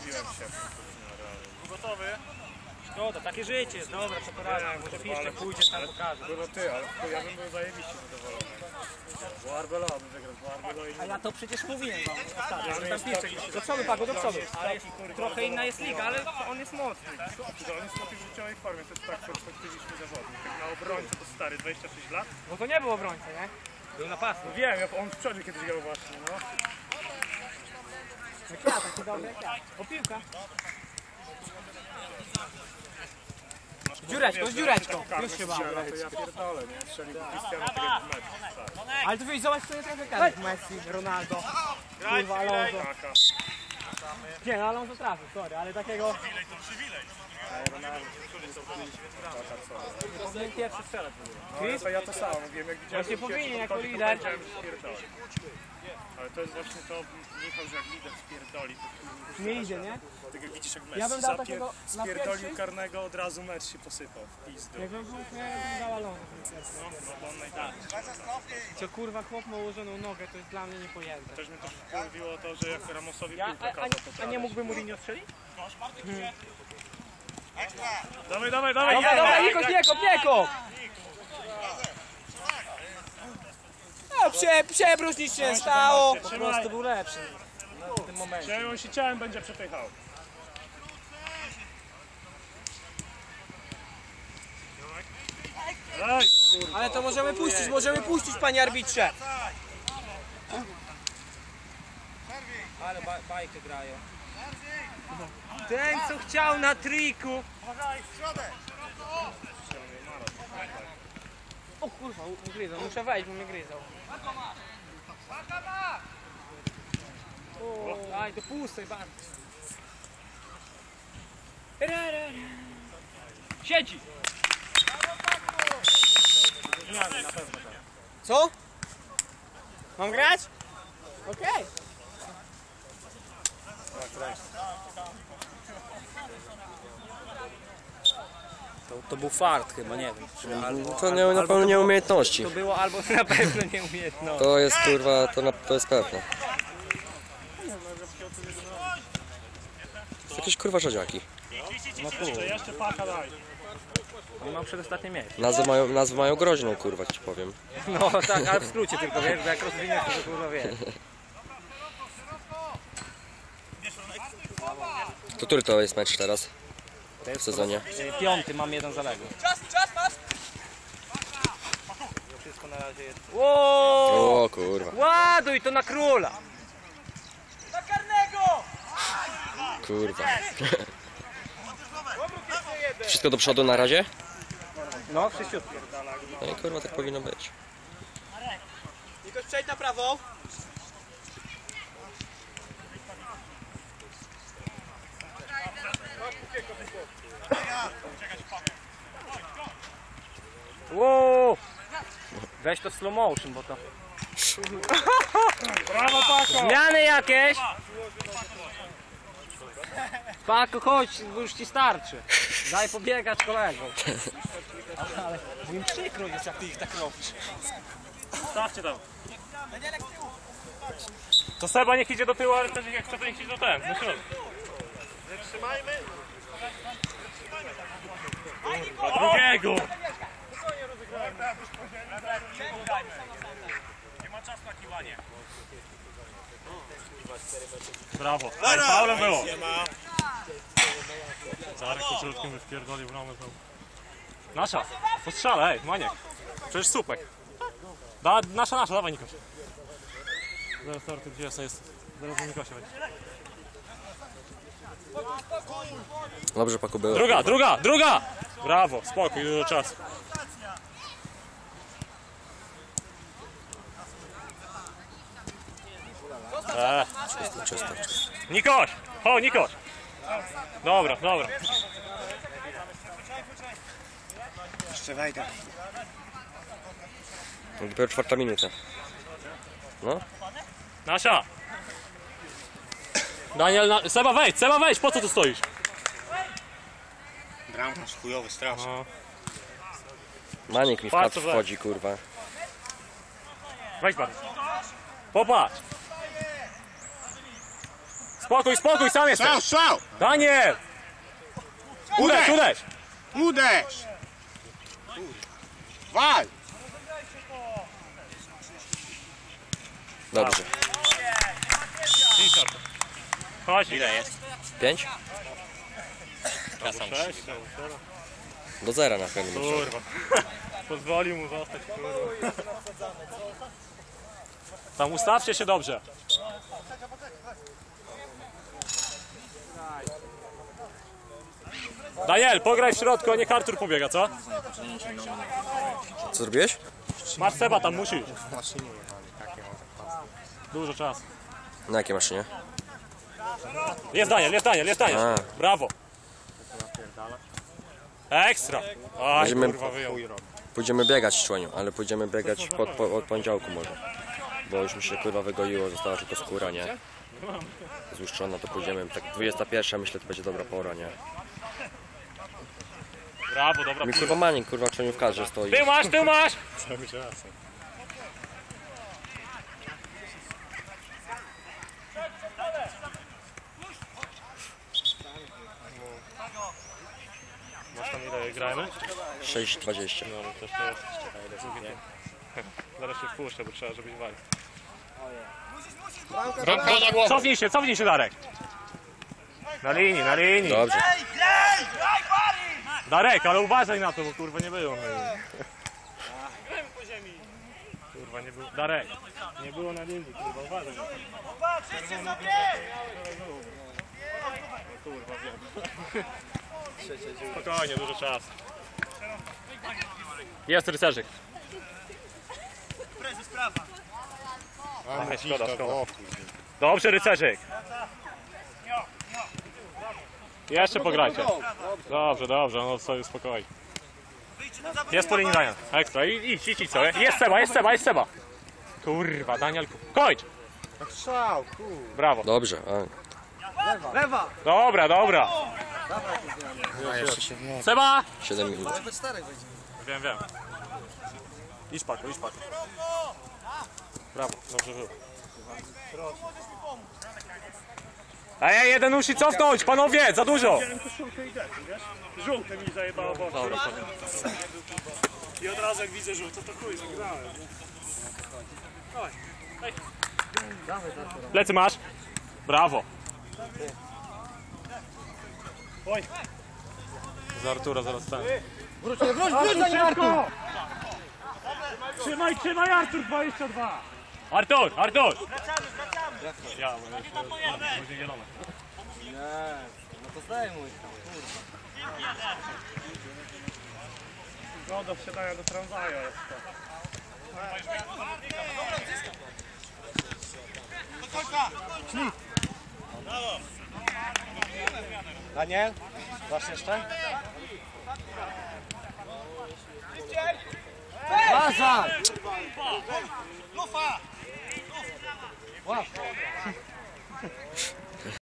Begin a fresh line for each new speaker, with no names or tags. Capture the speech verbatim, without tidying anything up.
Biłem się.
Gotowy?
Szkoda, takie życie jest, dobra, co poradę, może piszcie, pójdziesz tam pokażę.
Było ty, ale ja bym był zajebiście zadowolony. Bo Arbelo by wygrał, bo Arbelo i...
A ja to przecież mówiłem wam ostatnio, że tam piszcie. Do przodu, Pago, do przodu. Ale trochę inna jest liga, ale on jest mocny.
To on jest w takiej życiowej formie, to jest tak perspektywiczny zawodnik. Jak na obrońcę to stary, dwadzieścia sześć lat.
Bo to nie był obrońca, nie? Był napastnik.
Wiem, on w przodzie kiedyś grał właśnie, no.
Jak ja, taki dobry jak ja. O piłka. Z dziureczką, z dziureczką. Już się bałem.
To ja pierdolę, nie? Strzelił Cristiano tak jak w meczu.
Ale tu wiesz, zobacz, co jest trochę karek. Messi, Ronaldo, kurwa, Alonso.
Kaka.
Nie, no Alonso trafił, sorry, ale takiego... Nie powinien pierwszy strzelać w ogóle.
No, to ja to samo mówiłem, jak widziałem...
Właśnie powinien, jako
to
lider.
powiedziałem, że spierdoli. Ale to jest właśnie to, Michał, że jak lider spierdoli, to...
Nie idzie, nie?
Tak jak widzisz, jak Messi
Ja bym dał
zapier-
takiego na
spierdolił
pierwszy.
karnego, od razu mecz się posypał w pizdu.
Jakbym był, to ja bym dał Alonso.
No, no bo on najdalej.
Co kurwa, chłop ma ułożoną nogę, to jest dla mnie niepojęte.
Też mnie też wkurwiło to, że jak Ramosowi
Ja,
piłkę
a, a,
kazał, to
a nie mógłby Mourinho strzelić?
Dawaj, dawaj, dawaj!
Dobra, dobra, Nikos, nie kop, nie kop! No, prze, przebróż nic się nie stało. Po prostu był lepszy w tym momencie.
Czyli on się ciałem będzie przepychał. Daj, kurwa.
Ale to możemy puścić, możemy puścić, panie arbitrze. Ale ba bajkę grają. Ten, co chciał na triku. O kurwa, ugryzał, muszę wejść, bo mnie gryzał. O, aj, to puste bardzo. Siedzi! Co? Mam grać? Okej. Okay. To, to był fart chyba, nie wiem. Czy albo,
To nie,
albo,
na pewno nie umiejętności.
To było albo na pewno nieumiejętność.
To jest kurwa, to, na, to jest pewne. To jakieś kurwa rzadziaki.
No kurwa.
Jeszcze, jeszcze paka daj.
On ma przedostatnie miejsce.
Nazwy mają, nazwy mają groźną kurwa, ci powiem.
No tak, ale w skrócie tylko, wiesz, bo jak rozwiniesz to kurwa wiesz.
To który to jest mecz teraz
To jest
w sezonie?
piąty, mam jeden zaległy. Czas, czas, masz! Wszystko na razie jest. Wow!
O kurwa.
Ładuj to na króla! Na karnego!
Kurwa. Wszystko do przodu na razie?
No, wszyściutko.
No i kurwa tak powinno być.
Nikoś przejdź na prawo. Wow! Weź to w slow motion, bo to...
Brawo, Pako!
Zmiany jakieś! Pako, chodź, bo już ci starczy. Daj pobiegać kolegom. Ale mi przykro jest, jak ty ich tak robisz.
Stawcie tam. To Seba niech idzie do tyłu, ale też jak chce, to niech idzie do ten, do środka. Trzymajmy. Kurwa, drugiego! Nie ma czasu na kiwanie. Brawo. Ej, faulem było. Zarek po środkiem wypierdolił bramę. Nasza. Postrzela, ej, Maniek. Przecież słupek. Da, nasza, nasza, dawaj Nikoś. Zaraz torty, gdzie jest? Zaraz do Nikosia będzie.
Dobrze Paku było.
Druga, druga, druga! Brawo, spokój, dużo czasu. Eee.
Czysto, czysto, czysto.
Nikoś! Ho, Nikoś! Dobra, dobra.
Jeszcze wejdę.
Dopiero czwarta minuta. No.
Nasza! Daniel, na... Seba wejdź, Seba wejdź, po co tu stoisz?
Bramkarz chujowy, straszny.
No.
Maniek mi w
Patrz,
kadr
co
wchodzi kurwa.
Wejdź pan. Popatrz! spokój, spokój, sam jesteś.
Strzał, strzał!
Daniel! Uderz, uderz!
Uderz! Wal!
Dobrze.
Chodź.
Ile jest?
Pięć?
Ja sam
Sześć,
Do zera na chwilę.
kurwa. Pozwolił mu zostać, kurwa. Tam ustawcie się dobrze. Daniel, pograj w środku, a niech Artur pobiega, co?
Co zrobiłeś?
Masz Seba, tam musisz. Dużo czasu.
Na jakiej maszynie?
Jest Daniel, jest Daniel, jest Daniel.
A.
Brawo. Ekstra. Aj,
Będziemy-
kurwa, wyjął.
Pójdziemy biegać, członiu, ale pójdziemy biegać pod, po, od poniedziałku może. Bo już mi się kurwa wygoiło, została tylko skóra, nie? Złuszczona, to pójdziemy, tak dwudziesta pierwsza, myślę, to będzie dobra pora, nie?
Brawo, dobra.
Mi kurwa Manik, kurwa, członiu w kadrze stoi.
Ty masz, ty masz.
Cały czas.
Masz tam ile gramy?
sześć dwadzieścia.
No, ale też to jest. Zaraz się wpuszczę, bo trzeba, żebyś walił. Cofnij się, cofnij się, Darek. Na linii, na linii.
Dobrze.
Darek, ale uważaj na to, bo kurwa nie było na linii. Kurwa nie było. Darek, nie było na linii, kurwa, uważaj na to. Kurwa, wiem. Spokojnie, dużo czasu. Jest rycerzyk.
Mamy
szkoda, szkoda.
szkoda.
Dobrze, rycerzyk. Jeszcze pograjcie. Dobrze, dobrze, no sobie spokojnie. Jest po linii Daniel. Ekstra, I- idź, idź, idź sobie. Jest Seba, jest Seba, jest Seba. Kurwa, Daniel, kończ.
Strzał, kur...
Brawo.
Dobrze. A.
Lewa!
Dobra, dobra.
A jeszcze się nie...
Seba!
siedem minut.
Wiem, wiem. Idź Paku, idź Paku. Brawo, dobrze było. Ej, jeden musi cofnąć, panowie, za dużo.
Żółte mi zajebało w oczy. I od razu jak widzę żółte, to chuj, zagrałem.
Plecy masz. Brawo.
Oj.
Za Artura zaraz ten.
Wróć, wróć, wróć za nim, Arku!
Trzymaj, trzymaj Artur dwadzieścia dwa.
Artur, Artur! Ja, bo jeszcze będzie zielone.
Nie, no to zdejmuj.
No do wsiadania do tramwaju jest to.
Daniel, dasz jeszcze? Uważaj! Łap!